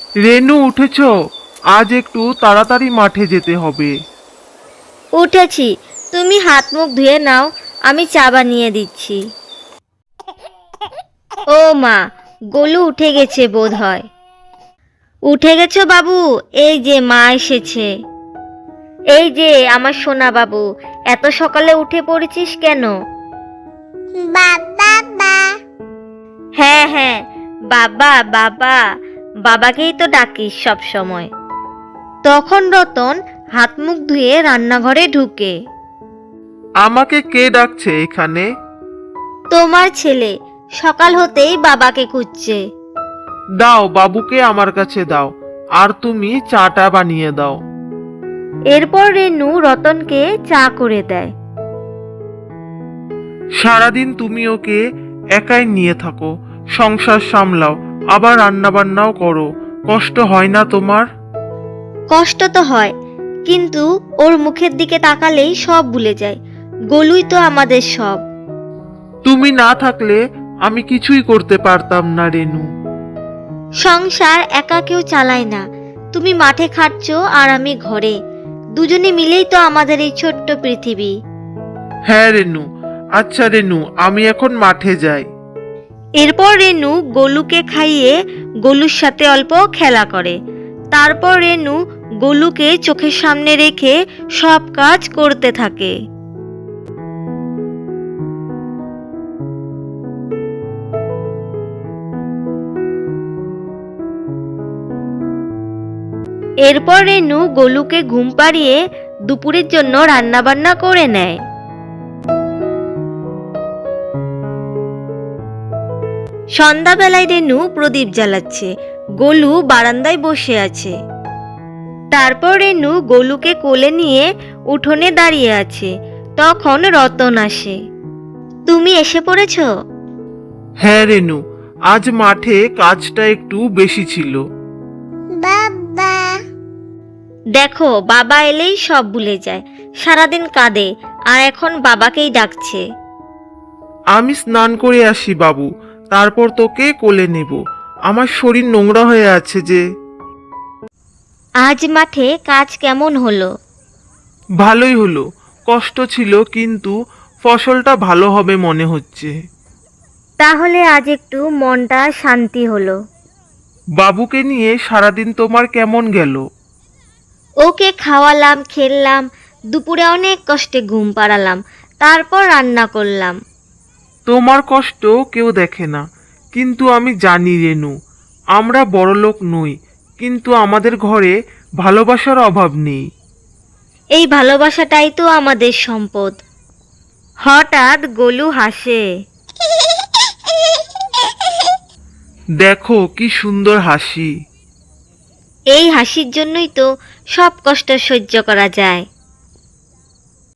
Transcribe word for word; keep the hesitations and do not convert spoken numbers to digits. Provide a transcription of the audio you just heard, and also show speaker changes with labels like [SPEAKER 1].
[SPEAKER 1] রেনু, উঠেছ? আজ একটু তাড়াতাড়ি মাঠে যেতে হবে।
[SPEAKER 2] উঠেছি, তুমি হাত মুখ ধুয়ে নাও, আমি চা বানিয়ে দিচ্ছি। ও মা, গোলু উঠে গেছে বোধ হয়। উঠে গেছো বাবু? এই যে মা এসেছে। এই যে আমার সোনা বাবু, এত সকালে উঠে পড়েছিস কেন?
[SPEAKER 3] বাবা।
[SPEAKER 2] হ্যাঁ হ্যাঁ, বাবা বাবা, বাবাকেই তো ডাকিস সব সময়। তখন রতন হাত মুখ ধুয়ে রান্নাঘরে ঢুকে।
[SPEAKER 1] আমাকে কে ডাকছে এখানে?
[SPEAKER 2] তোমার ছেলে সকাল হতেই বাবাকে খুঁজছে।
[SPEAKER 1] দাও, বাবুকে আমার কাছে দাও, আর তুমি চাটা বানিয়ে দাও।
[SPEAKER 2] এরপর রেনু রতনকে চা করে দেয়।
[SPEAKER 1] সারাদিন তুমি ওকে একাই নিয়ে থাকো, সংসার সামলাও, আবার রান্না বান্নাও করো, কষ্ট হয় না তোমার?
[SPEAKER 2] কষ্ট তো হয়, কিন্তু ওর মুখের দিকে তাকালেই সব ভুলে যায়। গোলুই তো আমাদের সব।
[SPEAKER 1] তুমি না থাকলে আমি কিছুই করতে পারতাম না রেনু।
[SPEAKER 2] সংসার একা কেউ চালায় না। তুমি মাঠে খাটছো আর আমি ঘরে, দুজনে মিলেই তো আমাদের এই ছোট্ট পৃথিবী।
[SPEAKER 1] হ্যাঁ রেনু। আচ্ছা রেনু, আমি এখন মাঠে যাই।
[SPEAKER 2] এরপর রেনু গোলুকে খাইয়ে গোলুর সাথে অল্প খেলা করে। তারপর রেনু গোলুকে চোখের সামনে রেখে সব কাজ করতে থাকে। এরপর রেনু গোলুকে ঘুম পাড়িয়ে দুপুরের জন্য রান্নাবান্না করে নেয়। সন্ধ্যাবেলায় রেনু প্রদীপ জ্বালাচ্ছে, গোলু বারান্দায় বসে আছে। তারপর রেনু গোলুকে কোলে নিয়ে উঠোনে দাঁড়িয়ে আছে। তখন রতন আসে। তুমি এসে পড়েছো?
[SPEAKER 1] হ্যাঁ রেনু, আজ মাঠে কাজটা একটু বেশি ছিল।
[SPEAKER 3] বাবা।
[SPEAKER 2] দেখো, বাবা এলেই সব ভুলে যায়, সারাদিন কাঁদে, আর এখন বাবাকেই ডাকছে।
[SPEAKER 1] আমি স্নান করে আসি বাবু, তারপর তোকে কোলে নেব। আমার শরীর নোংরা হয়ে আছে যে।
[SPEAKER 2] আজ মাঠে কাজ কেমন হলো?
[SPEAKER 1] ভালোই হলো, কষ্ট ছিল কিন্তু ফসলটা ভালো হবে মনে হচ্ছে।
[SPEAKER 2] তাহলে আজ একটু মনটা শান্তি হলো।
[SPEAKER 1] বাবুকে নিয়ে সারাদিন তোমার কেমন গেল?
[SPEAKER 2] ওকে খাওয়ালাম, খেললাম, দুপুরে অনেক কষ্টে ঘুম পাড়ালাম, তারপর রান্না করলাম।
[SPEAKER 1] তোমার কষ্ট কেউ দেখে না, কিন্তু আমি জানি রেনু, আমরা বড়লোক নই, কিন্তু আমাদের ঘরে ভালোবাসার অভাব নেই।
[SPEAKER 2] এই ভালোবাসাটাই তো আমাদের সম্পদ। হঠাৎ গোলু হাসে।
[SPEAKER 1] দেখো কি সুন্দর হাসি।
[SPEAKER 2] এই হাসির জন্যই তো সব কষ্ট সহ্য করা যায়।